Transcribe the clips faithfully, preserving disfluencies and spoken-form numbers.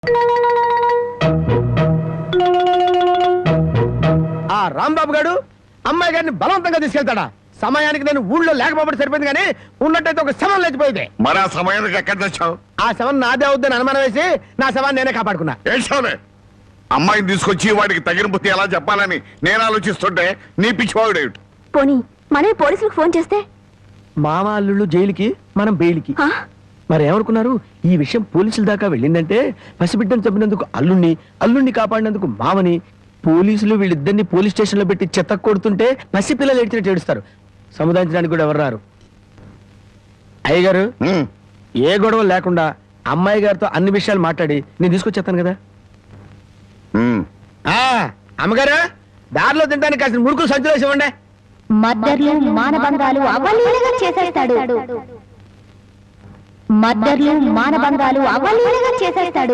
ఆ రాంబాబు గారు అమ్మాయి గారిని బలవంతంగా తీసుకెళ్తాడా? సమయానికి నేను ఊళ్ళో లేకపోతే సరిపోయింది, కానీ ఉన్నట్టయితే ఒక శవం లేచిపోయింది. మరి ఆ సమయానికి ఎక్కడ తెచ్చావు? ఆ శవం నాదే అవుద్దని అనుమానం వేసి నా శవాన్ని నేనే కాపాడుకున్నా. ఏడ్చావులే. అమ్మాయిని తీసుకొచ్చి వాడికి తగిన బుద్ధి ఎలా చెప్పాలని నేను ఆలోచిస్తుంటే నీ పిచ్చివాడు. పోనీ మనమే పోలీసులకు ఫోన్ చేస్తే? మామ అల్లుళ్ళు జైలుకి, మనం బెయిల్కి. మరి ఏమనుకున్నారు? ఈ విషయం పోలీసుల దాకా వెళ్ళిందంటే పసిబిడ్డను చంపినందుకు అల్లుణ్ణి, అల్లుణ్ణి కాపాడినందుకు మామని, పోలీసులు వీళ్ళిద్దరిని పోలీస్ స్టేషన్ లో పెట్టి చెత్త కొడుతుంటే పసిపిల్లలు ఏడ్చినట్టు ఏడుస్తారు. సముదాయించడానికి కూడా ఎవరు రారు. అయ్యగారు, ఏ గొడవ లేకుండా అమ్మాయి గారితో అన్ని విషయాలు మాట్లాడి నేను తీసుకొచ్చేస్తాను కదా. అమ్మగారు, దారిలో తింటానికి కాసిన ముడుకులు సంచులు వేసి ఇవ్వండి. మద్దర్లు మానభంగాలు అవలీలగా చేసేస్తాడు. మద్దర్లు మానభంగాలు అవలీలగా చేసేస్తాడు.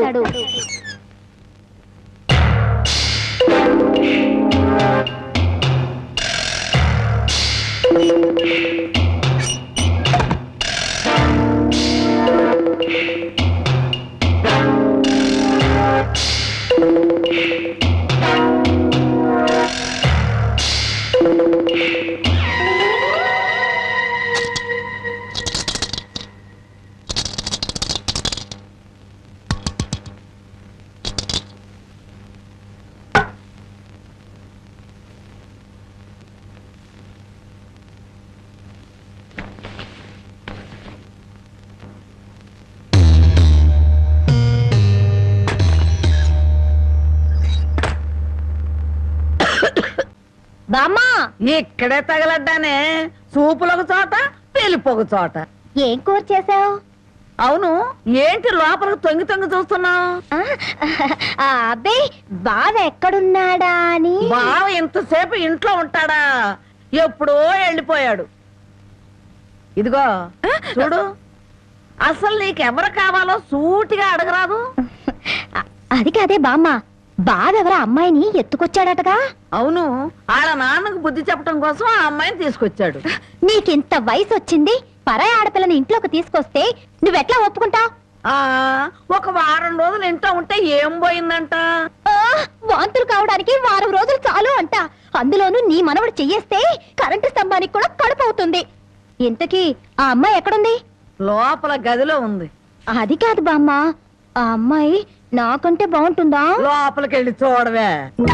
బామ్మా, ఇక్కడే తగలడ్డానే. సూపులొక చోట, పెళ్లిపోక చోట. ఏం కూర చేసావు? అవును, ఏంటి లోపలికి తొంగి తొంగి చూస్తున్నావు? అబ్బే, బావ ఎక్కడున్నాడా అని. బావ ఇంతసేపు ఇంట్లో ఉంటాడా? ఎప్పుడో వెళ్ళిపోయాడు. ఇదిగో చూడు, అసలు నీకెవరు కావాలో సూటిగా అడగరాదు. అది కాదే బామ్మ, బావెవరో అమ్మాయిని ఎత్తుకొచ్చాడటగా. అవును, ఆడ నాన్నకు బుద్ధి చెప్పడం కోసం ఆ అమ్మాయిని తీసుకొచ్చాడు. నీకింత వయసు వచ్చింది, పరాయి ఆడపిల్లని ఇంట్లోకి తీసుకొస్తే నువ్వెట్లా ఒప్పుకుంటావు? ఆ ఒక వారం రోజులు ఇంట్లో ఉంటే ఏం పోయిందంట? వాంతులు కావడానికి వారం రోజులు చాలు అంట. అందులోనూ నీ మనవడు చెయ్యేస్తే కరెంటు స్తంభానికి కూడా కడుపు అవుతుంది. ఇంతకీ ఆ అమ్మాయి ఎక్కడుంది? లోపల గదిలో ఉంది. అది కాదు బామ్మ, ఆ అమ్మాయి నాకంటే బాగుంటుందా? లోపలికి వెళ్ళి చూడవే.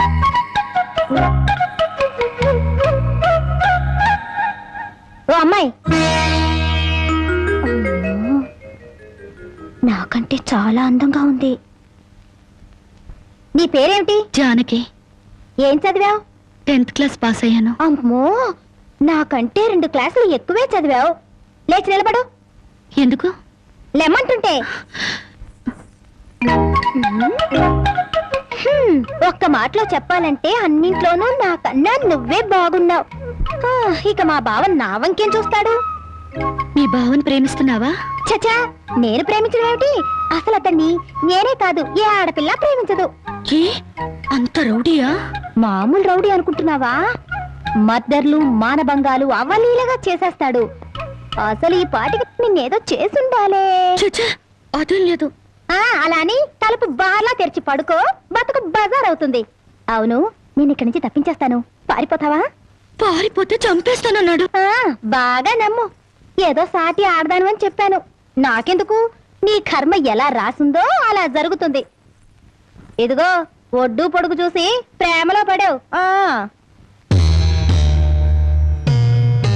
ఓ అమ్మాయి, నాకంటే చాలా అందంగా ఉంది. నీ పేరేమిటి? జానకి. ఏం చదివావు? టెన్త్ క్లాస్ పాస్ అయ్యాను. అమ్మో, నాకంటే రెండు క్లాసులు ఎక్కువే చదివావు. లేచి నిలబడు. ఎందుకు? లెమ్మంటుంటే. ఒక్క మాటలో చెప్పాలంటే అన్నింట్లోనూ నాకన్నా నువ్వే బాగున్నావు. ఇక మా బావ నా వంకేం చూస్తాడు? మీ బావని ప్రేమిస్తున్నావా? చచా, నేను ప్రేమించడం ఏమిటి? అసలు అతన్ని నేనే కాదు, ఏ ఆడపిల్ల ప్రేమించదు. ఏ అంత రౌడీయా? మామూలు రౌడీ అనుకుంటున్నావా? మద్దర్లు మానభంగాలు అవలీలగా చేసేస్తాడు. అసలు ఈ పాటికి నిన్నేదో చేసుండాలే. చచ్చా, అదేం లేదు. అలా అని తలుపు బార్లా తెరిచి పడుకో, బతుకు బజార్ అవుతుంది. అవును, నేను ఇక్కడి నుంచి తప్పించేస్తాను. పారిపోతావా? పారిపోతే చంపేస్తానన్నాడు. బాగా నమ్ము. ఏదో సాటి ఆడదాను అని చెప్పాను. నాకెందుకు, నీ కర్మ ఎలా రాసిందో అలా జరుగుతుంది. ఇదిగో, ఒడ్డు పొడుగు చూసి ప్రేమలో పడావు.